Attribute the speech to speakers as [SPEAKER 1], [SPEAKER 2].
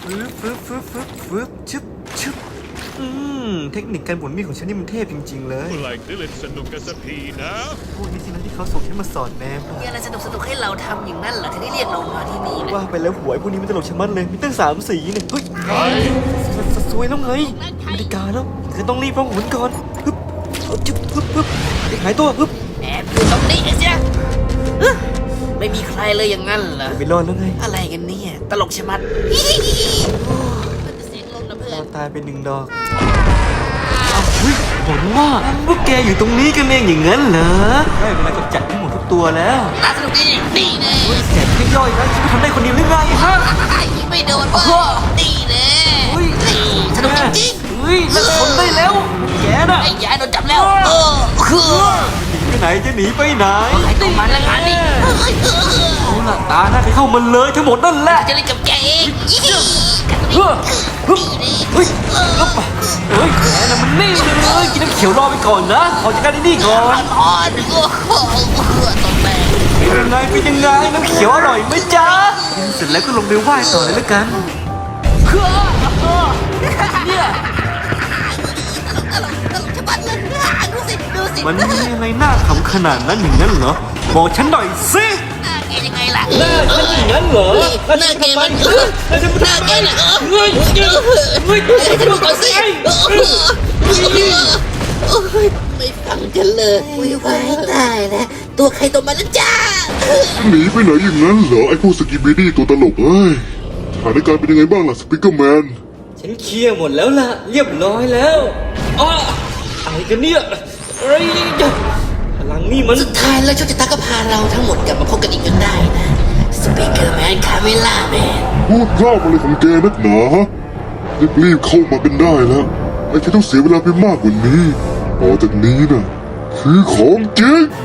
[SPEAKER 1] ฟึบชึบชึบเทคนิคการหมุนมีดของฉันนี่มันเทพจริงๆเลย
[SPEAKER 2] เมื่อไหร่ได้เล่นสนุกกันสักทีนะ
[SPEAKER 1] พวกนี้สินะที่เขาส่งฉันมาสอนแนม
[SPEAKER 3] มีอะไรสนุกให้เราทำอย่างนั้นเหรอถึงได้เรียกเรามาที่นี่นะ
[SPEAKER 1] ว่าไปแล้วหวยพวกนี้มันตลกชะมัดเลยมีตั้ง3 สีเนี่ยเฮ้ยสวยแล้วไงนาฬิกาแล้วคือต้องรีบร้องหมุนก่อนฮึบชึบฮึบหายตัวฮึบ
[SPEAKER 3] แอบอยู่ตรงนี้เสียไม่มีใครเลยอย่างนั้นเหรอ
[SPEAKER 1] ไม่รอดแล้วไง
[SPEAKER 3] อะไรกันเนี่ยตลกชะมัดมันจะเสียงลมนะเพื่อน
[SPEAKER 1] ตายเป็น1 ดอกเฮ้ยผมว่าพวกแกอยู่ตรงนี้กันเองอย่างนั้นเหรอได้เวลากำจัดทั้งหมดทุกตัวแล้ว
[SPEAKER 3] น่าสนุกดีนี่แน่
[SPEAKER 1] แสบแค่ย่อยนะฉันทำได้คนเดียวหรือไงฮะ
[SPEAKER 3] ไม่โดนเว้ยนี่แน่สนุกจริง
[SPEAKER 1] เฮ้ยแล้วทนได้แล้วแกน่ะ
[SPEAKER 3] ๆไอ้ยายโดนจับแล้วคือ
[SPEAKER 1] จะหนีไปไหน
[SPEAKER 3] ไอ้ตัวมันละงานนี่
[SPEAKER 1] เอาล่ะตาหน้าไปเข้ามันเลยทั้งหมดนั่นแหละ
[SPEAKER 3] จะเล่นกับแกเอง
[SPEAKER 1] เฮ้ยเฮ้ยเฮ้ยเฮ้ยแกน่ะมันนี่เลยกินน้ำเขียวรอไปก่อนนะขอจัดการไอ้นี่ก่อน
[SPEAKER 3] อ่อนโอ้โหต้องแบก
[SPEAKER 1] เป็นยังไงน้ำเขียวอร่อยไหมจ๊ะเสร็จแล้วก็ลงไปไหว้ต่อเลยแล้วกันเนี่ย
[SPEAKER 3] ดูสิ
[SPEAKER 1] มันมีอะไรน่าขำขนาดนั้นอย่างนั้นเหรอบอกฉันหน่อยสิ
[SPEAKER 3] หน้าแกยังไงล่ะ
[SPEAKER 1] หน้าฉันอย่างนั้นเหรอ
[SPEAKER 3] หน้าแกมันหน้าแกน่ะเฮ้ยจะดูก่อนสิไม่ฟังกันเลยไว้ตายแล้วตัวใครตัวมันนะจ้า
[SPEAKER 4] หนีไปไหนอย่างนั้นเหรอไอ้พวกสกิบิดี้ตัวตลกเอ้ยสถานการณ์เป็นยังไงบ้างล่ะสปิเกอร์แมน
[SPEAKER 1] ฉันเคลียร์หมดแล้วล่ะเรียบร้อยแล้วอ้ออะไรกันเนี่ยเฮ้ยพลังนี่มัน
[SPEAKER 3] สุดท้ายแล้วโชคชะตาก็พาเราทั้งหมดกลับมาพบกันอีกจนได้นะสปีกเกอร์แมนคาเมล่าแมน
[SPEAKER 4] พูดร่ำอะไรของแกนักหนาฮะรีบเข้ามากันได้แล้วไอ้ที่ต้องเสียเวลาไปมากกว่านี้ต่อจากนี้นะคือของจริง